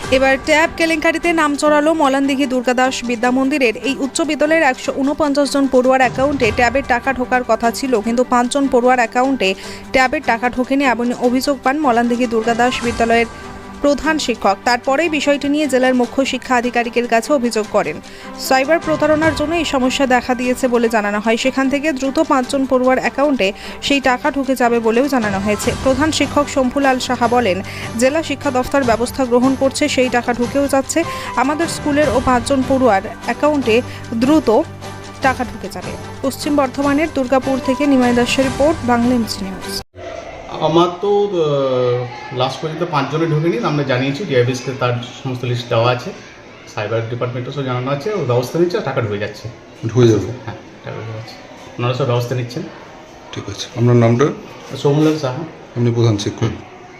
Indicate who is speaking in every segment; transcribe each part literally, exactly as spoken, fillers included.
Speaker 1: এবার ট্যাব কেলেঙ্কারিতে নাম চড়ালো মলানদিঘি দুর্গাদাস বিদ্যা মন্দিরের এই উচ্চ বিদ্যালয়ের একশো উনপঞ্চাশ জন পড়ুয়ার অ্যাকাউন্টে ট্যাবের টাকা ঢোকার কথা ছিল, কিন্তু পাঁচজন পড়ুয়ার অ্যাকাউন্টে ট্যাবের টাকা ঢোকেনি এমন অভিযোগ পান মলানদিঘি দুর্গাদাস বিদ্যালয়ের প্রধান শিক্ষক। তারপরেই বিষয়টি নিয়ে জেলার মুখ্য শিক্ষা আধিকারিকের কাছে অভিযোগ করেন। সাইবার প্রতারণার জন্য এই সমস্যা দেখা দিয়েছে বলে জানানো হয়। সেখান থেকে দ্রুত পাঁচজন পড়ুয়ার অ্যাকাউন্টে সেই টাকা ঢুকে যাবে বলেও জানানো হয়েছে। প্রধান শিক্ষক শম্ভুলাল সাহা বলেন, জেলা শিক্ষা দফতর ব্যবস্থা গ্রহণ করছে, সেই টাকা ঢুকেও যাচ্ছে আমাদের স্কুলের ও পাঁচজন পড়ুয়ার অ্যাকাউন্টে দ্রুত টাকা ঢুকে যাবে। পশ্চিম বর্ধমানের দুর্গাপুর থেকে নিমাই দাসের রিপোর্ট, বাংলা এমসি নিউজ।
Speaker 2: আমার তো লাস্ট পর্যন্ত পাঁচজনে ঢুকেনি, আমরা জানিয়েছি ডিআইবিএসকে তার সমস্ত লিস্ট দেওয়া আছে, সাইবার ডিপার্টমেন্টও সব জানানো আছে, ও ব্যবস্থা নিচ্ছে, টাকা ঢুকে যাচ্ছে।
Speaker 3: ঢুকে যাবে?
Speaker 2: হ্যাঁ, টাকা ঢুকে যাচ্ছে, ওনারা সব ব্যবস্থা নিচ্ছেন।
Speaker 3: ঠিক আছে, আপনার নামটা?
Speaker 2: সৌমলাল সাহা।
Speaker 3: আপনি প্রধান শিক্ষক।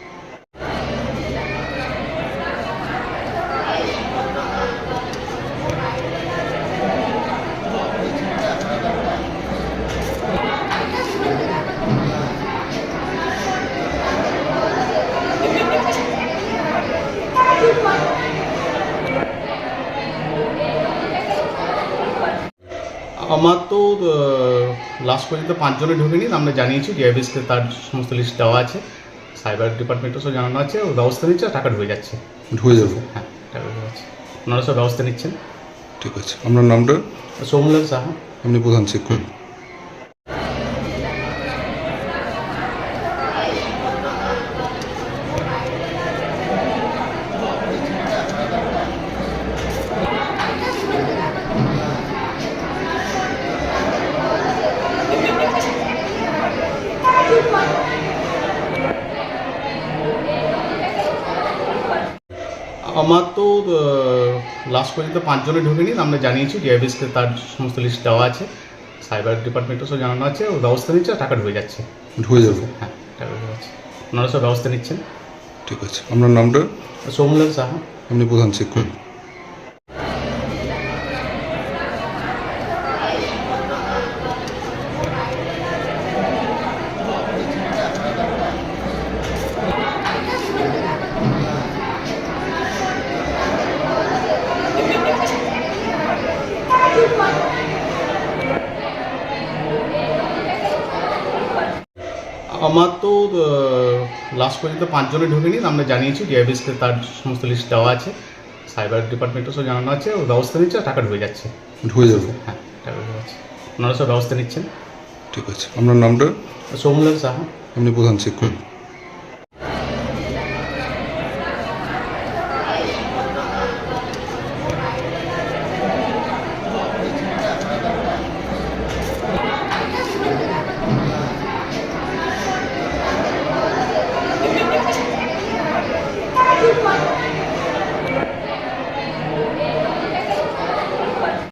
Speaker 2: আমার তো লাস্ট পর্যন্ত পাঁচজনে ঢুকেনি, আমরা জানিয়েছি ডিআইবিএসকে তার সমস্ত লিস্ট দেওয়া আছে, সাইবার ডিপার্টমেন্টও সব জানানো আছে, ও ব্যবস্থা নিচ্ছে, টাকা ঢুকে যাচ্ছে।
Speaker 3: ঢুকে যাবে?
Speaker 2: হ্যাঁ, টাকা ঢুকে যাচ্ছে, ওনারা সব ব্যবস্থা নিচ্ছেন।
Speaker 3: ঠিক আছে, আপনার নামটা?
Speaker 2: সৌমলাল সাহা।
Speaker 3: আপনি প্রধান শিক্ষক।
Speaker 2: আমার তো লাস্ট পর্যন্ত পাঁচজনে ঢুকেনি, আমরা জানিয়েছি ডিআইবিএসকে তার সমস্ত লিস্ট দেওয়া আছে, সাইবার ডিপার্টমেন্টও সব জানানো আছে, ও ব্যবস্থা নিচ্ছে, টাকা ঢুকে যাচ্ছে।
Speaker 3: ঢুকে যাবে?
Speaker 2: হ্যাঁ, টাকা ঢুকে যাচ্ছে, ওনারা সব ব্যবস্থা নিচ্ছেন।
Speaker 3: ঠিক আছে, আপনার নামটা?
Speaker 2: সৌমলাল সাহা।
Speaker 3: আপনি প্রধান শিক্ষক।
Speaker 2: আমার তো লাস্ট পর্যন্ত পাঁচজনে ঢুকেনি, আমরা জানিয়েছি ডিআইবিএসকে তার সমস্ত লিস্ট দেওয়া আছে, সাইবার ডিপার্টমেন্টও সব জানানো আছে, ও ব্যবস্থা নিচ্ছে, টাকা ঢুকে যাচ্ছে।
Speaker 3: ঢুকে যাবে?
Speaker 2: হ্যাঁ, টাকা ঢুকে যাচ্ছে, ওনারা সব ব্যবস্থা নিচ্ছেন।
Speaker 3: ঠিক আছে, আপনার নামটা?
Speaker 2: সৌমলাল সাহা।
Speaker 3: আপনি প্রধান শিক্ষক।
Speaker 4: Thank you.